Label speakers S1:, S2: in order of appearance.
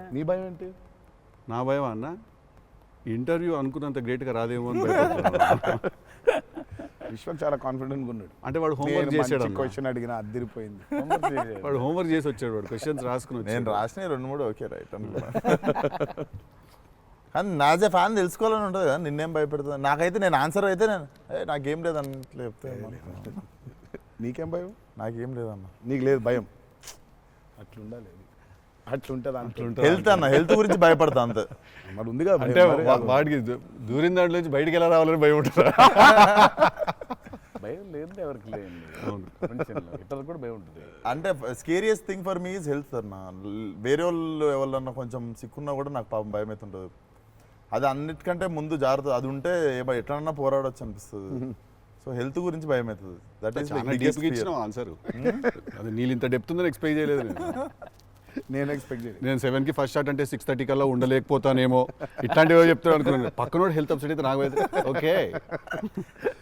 S1: నీ భయం ఏంటి?
S2: నా భయం అన్న ఇంటర్వ్యూ అనుకున్నంత గ్రేట్గా రాదేమో అని భయపడుతున్నాను.
S1: విశ్వం చాలా కాన్ఫిడెంట్గా ఉన్నాడు.
S2: అంటే వాడు హోంవర్క్ చేసాడు అన్న.
S1: క్వశ్చన్ అడిగిన అదిరిపోయింది.
S2: వాడు హోంవర్క్ చేసి వచ్చాడు, వాడు క్వశ్చన్స్ రాసుకుని
S3: నేను
S2: వచ్చాడు.
S3: రాసిన 2-3 ఓకే రైట్ అనుకున్నా. కానీ నాజ్ ఏ ఫ్యాన్ తెలుసుకోవాలని ఉంటుంది కదా, నిన్నేం భయపెడుతుంది. నాకైతే నేను ఆన్సర్ అయితే నాకేం లేదన్న చెప్తే
S1: నీకేం భయం?
S3: నాకేం లేదన్న.
S1: నీకు లేదు భయం? అట్లుండాలి, అట్లుంటుంది అంటుంటుంది.
S3: హెల్త్ అన్న, హెల్త్ గురించి భయపడతా అంతే.
S1: మరి ఉందిగా భయం.
S2: అంటే
S1: మరి
S2: వాడికి దూరిన దాంట్లో నుంచి బయటికి ఎలా రావాలని భయం ఉంటారా?
S4: భయం లేదు ఎవరికి లేదండి ప్రపంచంలో, ఇతరులకు కూడా భయం ఉంటుంది.
S3: అంటే scariest thing for me is health అన్న. వేరే వాళ్ళు ఎవరన్నా కొంచెం సిక్కున్నా కూడా నాకు పాపం భయం అవుతుంటుంది. అది అన్నిటికంటే ముందు జాగ్రత్త, అది ఉంటే ఎట్లన్నా పోరాడొచ్చు అనిపిస్తుంది. సో హెల్త్ గురించి భయం అవుతుంది. దట్ ఈస్
S2: చాలా డీప్గా ఇచ్చిన ఆన్సర్. అది నీళ్ళు ఇంత డెప్త్ ఉందని ఎక్స్పెక్ట్ చేయలేదు
S1: నేను ఎక్స్పెక్ట్ చేయలేదు.
S2: నేను 7కి ఫస్ట్ షాట్ అంటే 6:30 కల్లా ఉండలేకపోతానేమో ఇట్లాంటివో చెప్తాను అనుకున్నాను. పక్కనోడు హెల్త్ అప్సెట్ అయితే నాకు ఓకే.